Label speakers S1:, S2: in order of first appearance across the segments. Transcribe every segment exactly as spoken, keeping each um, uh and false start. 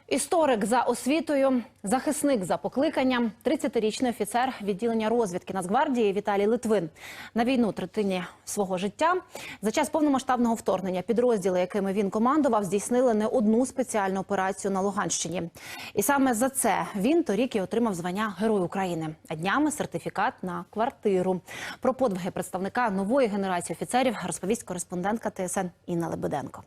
S1: Історик за освітою, захисник за покликанням, тридцятирічний офіцер відділення розвідки Нацгвардії Віталій Литвин. На війну третині свого життя. За час повномасштабного вторгнення підрозділи, якими він командував, здійснили не одну спеціальну операцію на Луганщині. І саме за це він торік і отримав звання Герой України. А днями сертифікат на квартиру. Про подвиги представника нової генерації офіцерів розповість кореспондентка Т С Н Інна Лебеденко.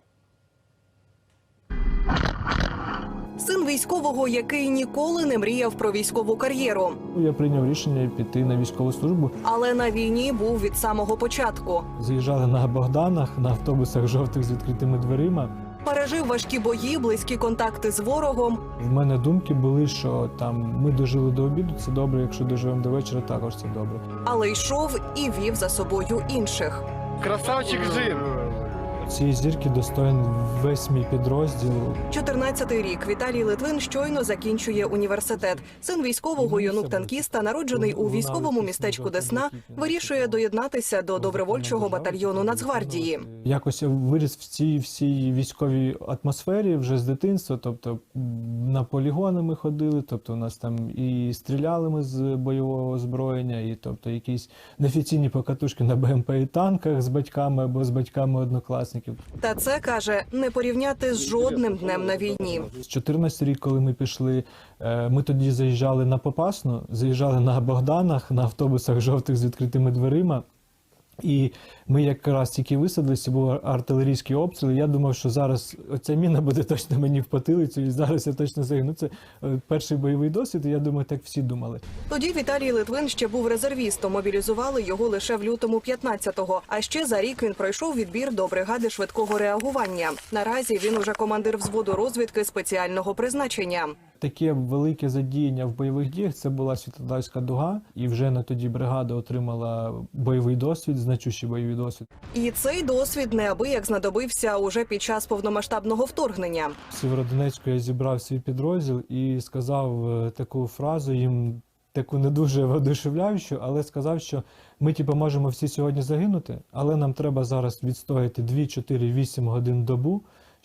S2: Син військового, який ніколи не мріяв про військову кар'єру.
S3: Я прийняв рішення піти на військову службу.
S2: Але на війні був від самого початку.
S3: Заїжджали на Богданах, на автобусах жовтих з відкритими дверима.
S2: Пережив важкі бої, близькі контакти з ворогом.
S3: В мене думки були, що там ми дожили до обіду, це добре, якщо доживемо до вечора, також це добре.
S2: Але йшов і вів за собою інших.
S4: Красавчик жив!
S3: Цієї зірки достоїн весь мій підрозділ.
S2: чотирнадцятий рік. Віталій Литвин щойно закінчує університет. Син військового, юнук-танкіста, народжений у військовому містечку Десна, вирішує доєднатися до добровольчого батальйону Нацгвардії.
S3: Якось я виріс в цій всій військовій атмосфері вже з дитинства. Тобто на полігони ми ходили, тобто у нас там і стріляли ми з бойового озброєння, і тобто якісь неофіційні покатушки на Б М П і танках з батьками або з батьками однокласників.
S2: Та це, каже, не порівняти з жодним днем на війні.
S3: З чотирнадцятого рік, коли ми пішли, ми тоді заїжджали на Попасну, заїжджали на Богданах, на автобусах жовтих з відкритими дверима. І ми якраз тільки висадилися, був артилерійський обстріл. Я думав, що зараз оця міна буде точно мені в потилицю, і зараз я точно загину. Це перший бойовий досвід, і я думаю, так всі думали.
S2: Тоді Віталій Литвин ще був резервістом, мобілізували його лише в лютому п'ятнадцятого. А ще за рік він пройшов відбір до бригади швидкого реагування. Наразі він уже командир взводу розвідки спеціального призначення.
S3: Таке велике задіяння в бойових діях – це була Світлодарська дуга, і вже на тоді бригада отримала бойовий досвід, значущий бойовий досвід.
S2: І цей досвід неабияк знадобився уже під час повномасштабного вторгнення.
S3: В Сєвєродонецьку я зібрав свій підрозділ і сказав таку фразу їм, таку не дуже воодушевляючу, але сказав, що ми типу, можемо всі сьогодні загинути, але нам треба зараз відстояти дві, чотири, вісім годин добу,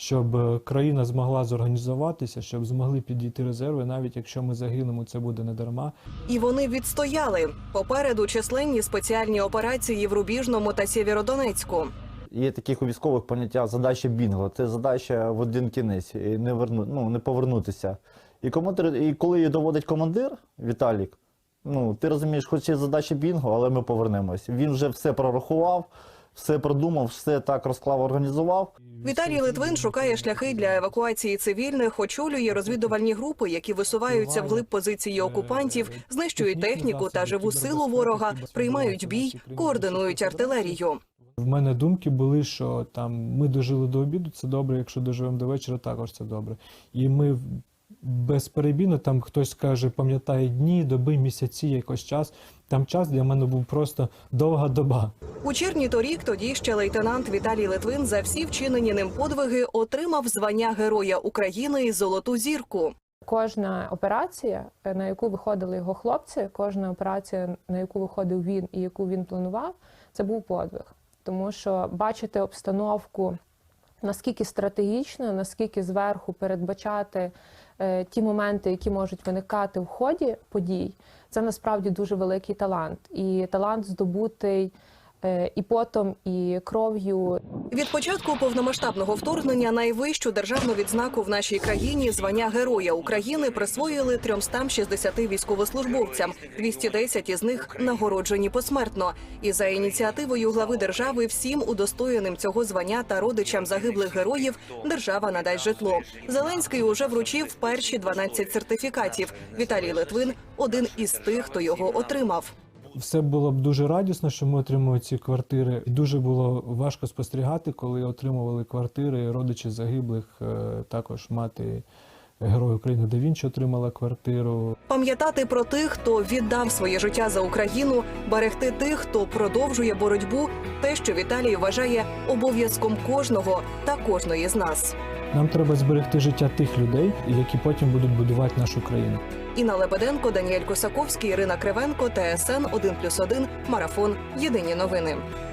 S3: щоб країна змогла зорганізуватися, щоб змогли підійти резерви, навіть якщо ми загинемо, це буде не дарма.
S2: І вони відстояли. Попереду численні спеціальні операції в Рубіжному та Сєвєродонецьку.
S4: Є таких у військових поняття задача бінго. Це задача в один кінець, і не, верну, ну, не повернутися. І, командир, і коли її доводить командир, Віталік, ну, ти розумієш, хоч є задача бінго, але ми повернемось. Він вже все прорахував, все продумав, все так розклав, організував.
S2: Віталій Литвин шукає шляхи для евакуації цивільних, очолює розвідувальні групи, які висуваються вглиб позиції окупантів, знищують техніку та живу силу ворога, приймають бій, координують артилерію.
S3: В мене думки були, що там ми дожили до обіду, це добре, якщо доживемо до вечора, також це добре. І ми безперебійно, там хтось каже, пам'ятає дні, доби, місяці, якось час. Там час для мене був просто довга доба.
S2: У червні торік тоді ще лейтенант Віталій Литвин за всі вчинені ним подвиги отримав звання Героя України і Золоту зірку.
S5: Кожна операція, на яку виходили його хлопці, кожна операція, на яку виходив він і яку він планував, це був подвиг. Тому що бачити обстановку, наскільки стратегічно, наскільки зверху передбачати е, ті моменти, які можуть виникати в ході подій, це насправді дуже великий талант. І талант здобутий е, і потом, і кров'ю.
S2: Від початку повномасштабного вторгнення найвищу державну відзнаку в нашій країні звання Героя України присвоїли триста шістдесят військовослужбовцям. двісті десять із них нагороджені посмертно. І за ініціативою глави держави всім удостоєним цього звання та родичам загиблих героїв держава надасть житло. Зеленський уже вручив перші дванадцять сертифікатів. Віталій Литвин – один із тих, хто його отримав.
S3: Все було б дуже радісно, що ми отримали ці квартири. І дуже було важко спостерігати, коли отримували квартири родичі загиблих, також мати Героя України Да Вінчі отримала квартиру.
S2: Пам'ятати про тих, хто віддав своє життя за Україну, берегти тих, хто продовжує боротьбу – те, що Віталій вважає обов'язком кожного та кожної з нас.
S3: Нам треба зберегти життя тих людей, які потім будуть будувати нашу країну.
S2: Інна Лебеденко, Даніель Косаковський, Ірина Кривенко, Т С Н один плюс один, Марафон. Єдині новини.